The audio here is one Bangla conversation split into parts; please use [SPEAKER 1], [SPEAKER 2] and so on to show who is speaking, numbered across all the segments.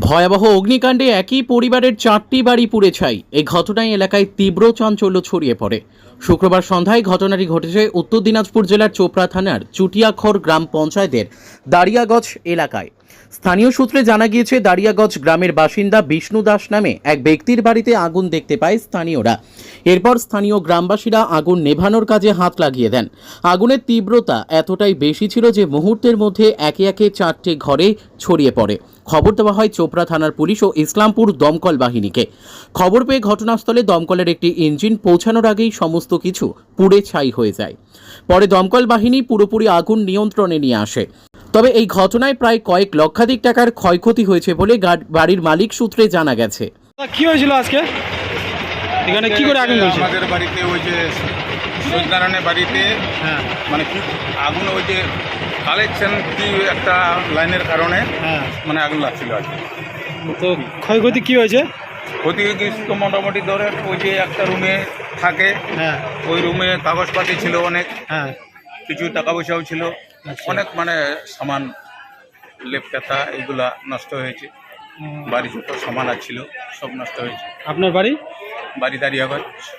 [SPEAKER 1] ভয়াবহ অগ্নিকাণ্ডে একই পরিবারের 4টি বাড়ি পুড়ে ছাই। এই ঘটনায় এলাকায় তীব্র চাঞ্চল্য ছড়িয়ে পড়ে। শুক্রবার সন্ধ্যায় ঘটনাটি ঘটেছে উত্তর দিনাজপুর জেলার চোপড়া থানার চুটিয়াখর গ্রাম পঞ্চায়েতের দাঁড়িয়াগছ এলাকায়। স্থানীয় সূত্রে জানা গিয়েছে, দাঁড়িয়াগছ গ্রামের বাসিন্দা বিষ্ণু দাস নামে এক ব্যক্তির বাড়িতে আগুন দেখতে পায় স্থানীয়রা। এরপর স্থানীয় গ্রামবাসীরা আগুন নেভানোর কাজে হাত লাগিয়ে দেন। আগুনের তীব্রতা এতটাই বেশি ছিল যে মুহূর্তের মধ্যে একে একে 4টি ঘরে ছড়িয়ে পড়ে। খবর দেওয়া হয় চোপড়া থানার পুলিশ ও ইসলামপুর দমকল বাহিনীকে। খবর পেয়ে ঘটনাস্থলে দমকলের একটি ইঞ্জিন পৌঁছানোর আগেই সমস্ত কিছু পুড়ে ছাই হয়ে যায়। পরে দমকল বাহিনী পুরোপুরি আগুন নিয়ন্ত্রণে নিয়ে আসে। তবে এই ঘটনায় প্রায় কয়েক লক্ষাধিক টাকার ক্ষয়ক্ষতি হয়েছে বলে বাড়ির মালিক সূত্রে জানা গেছে।
[SPEAKER 2] কি হয়েছিল আজকে এখানে, কি করে আগুন ধরেছে?
[SPEAKER 3] আমাদের বাড়িতে ওই যে সত্যনারায়ণের বাড়িতে মানে কি আগুন, ওই যে কালেকশন কি একটা লাইনের কারণে মানে আগুন লাগছিল আর কি।
[SPEAKER 2] তো ক্ষয়ক্ষতি কি হয়েছে?
[SPEAKER 3] ক্ষতি তো মোটামুটি ধরে ওই যে একটা রুমে থাকে, ওই রুমে কাগজপাতি ছিল অনেক, কিছু টাকা পয়সাও ছিল, অনেক মানে সামান লেপকাতা এগুলা নষ্ট হয়েছে। বাড়ি যত সামান ছিল সব নষ্ট হয়েছে।
[SPEAKER 2] আপনার বাড়ি?
[SPEAKER 3] বাড়ি দাঁড়িয়াগছ।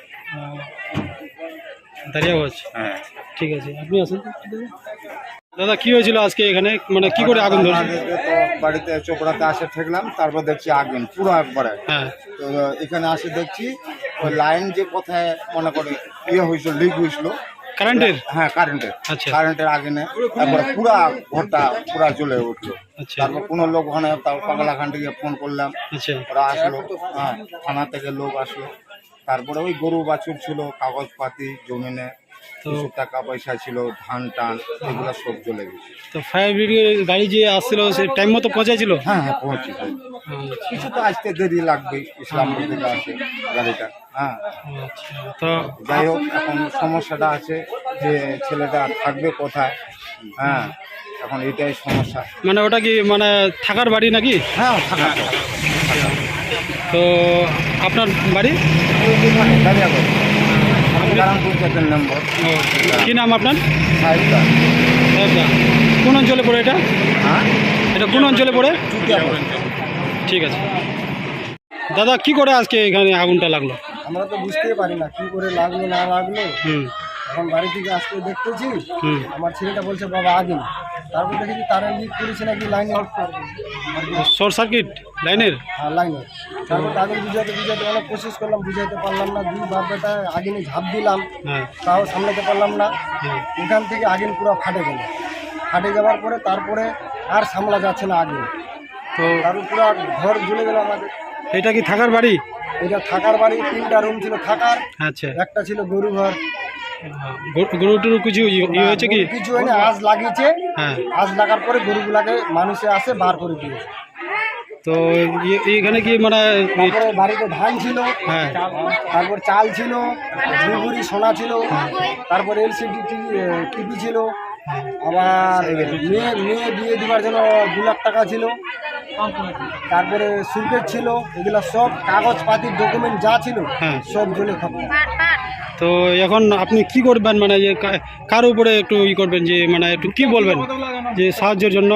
[SPEAKER 2] দাঁড়িয়াগছ,
[SPEAKER 3] হ্যাঁ।
[SPEAKER 2] ঠিক আছে, আপনি আসুন। দাদা কি হয়েছিল আজকে এখানে, মানে কি করে আগুন ধরেছে?
[SPEAKER 4] তো বাড়িতে চোপড়াতে আসে ঠেকলাম, তারপর দেখছি আগুন পুরো একবারে। তো এখানে আসে দেখছি ওই লাইন যে কোথায় মনে করে হয়েছিল, লিক হয়েছিল
[SPEAKER 2] কারেন্টের।
[SPEAKER 4] হ্যাঁ, কারেন্টের।
[SPEAKER 2] আচ্ছা।
[SPEAKER 4] কারেন্টের আগুনে একবারে পুরা ঘরটা পুরা জ্বলে উঠলো।
[SPEAKER 2] আচ্ছা।
[SPEAKER 4] তারপর কোনো লোক ওখানে পাগলাখান থেকে ফোন করলাম,
[SPEAKER 2] আচ্ছা।
[SPEAKER 4] ওরা আসলো, হ্যাঁ, থানা থেকে লোক আসলো। তারপরে ওই গরু বাছুর ছিল, কাগজপাতি, জমিনে কিছু টাকা পয়সা ছিল, ধান টান এগুলো সব জ্বলে গেছে।
[SPEAKER 2] তো ফায়ার ব্রিগেড গাড়ি যে আসছিল সে টাইম মতো পৌঁছাইছিল?
[SPEAKER 4] হ্যাঁ হ্যাঁ, পৌঁছে কিছু তো আসতে দেরি লাগবে, ইসলামপুর থেকে আসে গাড়িটা। হ্যাঁ,
[SPEAKER 2] তো
[SPEAKER 4] যাই হোক, এখন সমস্যাটা আছে যে ছেলেটা থাকবে কোথায়। হ্যাঁ, এখন এটাই সমস্যা।
[SPEAKER 2] মানে ওটা কি মানে থাকার বাড়ি নাকি?
[SPEAKER 4] হ্যাঁ, থাকা।
[SPEAKER 2] তো আপনার বাড়ি?
[SPEAKER 4] নম্বর।
[SPEAKER 2] কি নাম আপনার?
[SPEAKER 4] সাহেবদা।
[SPEAKER 2] সাহেবদা। কোন অঞ্চলে পড়ে এটা?
[SPEAKER 4] হ্যাঁ,
[SPEAKER 2] এটা কোন অঞ্চলে পড়ে? ঠিক আছে। দাদা কি করে আজকে এখানে আগুনটা লাগলো?
[SPEAKER 4] আমরা তো বুঝতেই পারি না কি করে লাগলো না লাগলো। এখন বাড়ি থেকে আসতে দেখতেছি, আমার ছেলেটা বলছে বাবা আগুন। তারপর দেখেছি তারা লিক করেছে নাকি লাইনের,
[SPEAKER 2] শর্ট সার্কিট লাইনের।
[SPEAKER 4] হ্যাঁ, লাইনের। তারপর আগুন বুঝাতে অনেক কোশিশ করলাম, বুঝাইতে পারলাম না। দুই বারটা আগুনে ঝাঁপ দিলাম, তাও সামলাতে পারলাম না। এখান থেকে আগুন পুরো ফাটে গেল। ফাটে যাওয়ার পরে তারপরে আর সামলা যাচ্ছে না আগুন। তো তারপর পুরো ঘর জ্বলে গেল আমাদের।
[SPEAKER 2] এটা কি থাকার বাড়ি?
[SPEAKER 4] এটা থাকার বাড়ি, 3টা রুম ছিল থাকার।
[SPEAKER 2] আচ্ছা।
[SPEAKER 4] একটা ছিল গরু ঘর।
[SPEAKER 2] গরুটুরু কিছু হয়েছে কি?
[SPEAKER 4] কিছু হয়নি, আজ লাগিয়েছে। আজ লাগার পরে গরুগুলাকে মানুষে আসে বার করে দিয়েছে।
[SPEAKER 2] তো এখানে কি মানে
[SPEAKER 4] বাড়িতে ধান ছিল, তারপর চাল ছিল, দুগুড়ি সোনা ছিল, তারপর এলসিডি টিভি ছিল, আবার মেয়ে বিয়ে দেওয়ার জন্য 2 লাখ টাকা ছিল, তারপরে সুরকেট ছিল। এগুলা সব কাগজপাতির ডকুমেন্ট যা ছিল সব জ্বলে খতম।
[SPEAKER 2] তো এখন আপনি কি করবেন, মানে যে কার উপরে একটু করবেন, যে মানে একটু কি বলবেন যে সাহায্যের জন্য?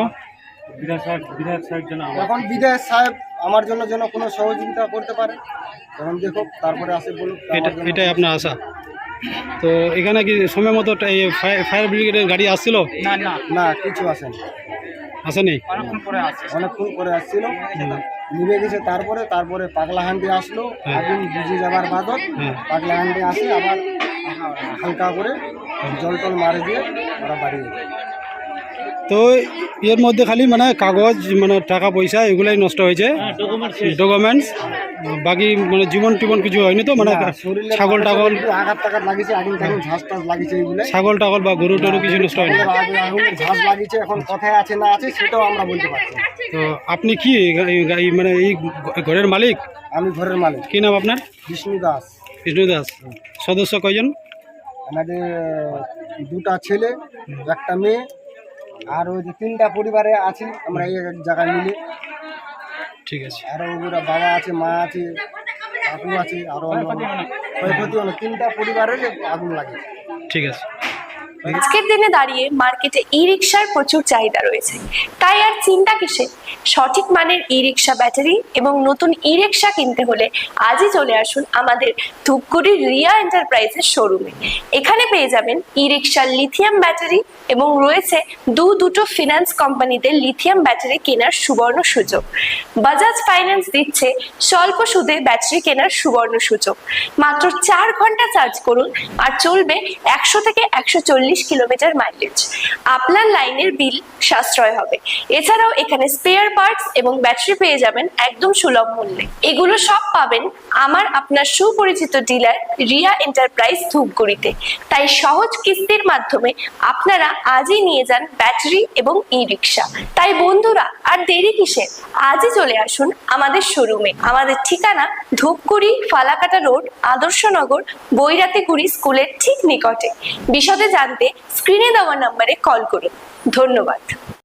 [SPEAKER 4] এখন বিধায়ক সাহেব আমার জন্য যেন কোনো সহযোগিতা করতে পারে, এখন দেখো তারপরে আসে বলুক।
[SPEAKER 2] এটাই আপনার আশা? তো এখানে কি সময় মতো ফায়ার ব্রিগেডের গাড়ি আসছিল?
[SPEAKER 4] না, কিছু আসেনি।
[SPEAKER 2] আসেনি?
[SPEAKER 4] অনেকক্ষণ করে আসছিল, নিভে গেছে। তারপরে পাগলাহান্ডি আসলো, আগুন বুঝে যাবার বাদত পাগলাহান্ডি আসে, আবার হালকা করে জল টল মারে দিয়ে ওরা বাড়ি গেছে।
[SPEAKER 2] তো এর মধ্যে খালি মানে কাগজ, মানে টাকা পয়সা এগুলাই নষ্ট হয়েছে, ডকুমেন্টস। বাকি মানে জীবন টিবন কিছু হয়নি তো? মানে ছাগল টাগল
[SPEAKER 4] লাগিয়েছে, আগুন ঝাঁস টাস লাগিয়েছে,
[SPEAKER 2] ছাগল টাগল বা গরু টরু কিছু নষ্ট হয়নি?
[SPEAKER 4] আগুনের ঝাঁস লাগিয়েছে, এখন কোথায় আছে না আছে সেটাও আমরা বলতে পারছি না।
[SPEAKER 2] তো আপনি কি মানে এই ঘরের মালিক?
[SPEAKER 4] আমি ঘরের মালিক।
[SPEAKER 2] কি নাম আপনার?
[SPEAKER 4] বিষ্ণু দাস।
[SPEAKER 2] বিষ্ণু দাস। সদস্য কয়জন?
[SPEAKER 4] আমাদের 2টা ছেলে, একটা মেয়ে, আর ওই যে 3টা পরিবারে আছি আমরা এই এক জায়গায় মিলে।
[SPEAKER 2] ঠিক আছে।
[SPEAKER 4] আরও ওগুলা বাবা আছে, মা আছে, কাকু আছে, আরও ক্ষয়ক্ষতি হলো। 3টা পরিবারের আগুন লাগে।
[SPEAKER 2] ঠিক আছে।
[SPEAKER 5] আজকের দিনে দাঁড়িয়ে মার্কেটে ই রিক্সার প্রচুর চাহিদা রয়েছে, তাই আর চিন্তা কিসে? সঠিক মানের ই রিক্সা ব্যাটারি এবং নতুন ই রিক্সা কিনতে হলে আজই চলে আসুন আমাদের ধূপগুড়ির রিয়া এন্টারপ্রাইজের শোরুমে। এখানে পেয়ে যাবেন ই রিক্সার লিথিয়াম ব্যাটারি এবং রয়েছে দুটো ফিনান্স কোম্পানিতে লিথিয়াম ব্যাটারি কেনার সুবর্ণ সুযোগ। বাজাজ ফাইন্যান্স দিচ্ছে স্বল্প সুদে ব্যাটারি কেনার সুবর্ণ সুযোগ। মাত্র 4 ঘন্টা চার্জ করুন আর চলবে 100 থেকে 140 কিলোমিটার মাইলেজ। আপনার লাইনের বিল সাশ্রয় হবে। এছাড়াও এখানে স্পেয়ার পার্টস এবং ব্যাটারি পেয়ে যাবেন একদম সুলভ মূল্যে। এগুলো সব পাবেন আমার আপনার সুপরিচিত ডিলার রিয়া এন্টারপ্রাইজ ধূপগুড়িতে। তাই সহজ কিস্তির মাধ্যমে আপনারা আজই নিয়ে যান ব্যাটারি এবং ই রিক্সা। তাই বন্ধুরা আর দেরি কিসের? আজই চলে আসুন আমাদের শোরুমে। আমাদের ঠিকানা ধূপগুড়ি ফালাকাটা রোড, আদর্শনগর, বৈরাতিগুড়ি স্কুলের ঠিক নিকটে। বিশদে জানতে স্ক্রিনে দেওয়া নম্বরে কল করুন। ধন্যবাদ।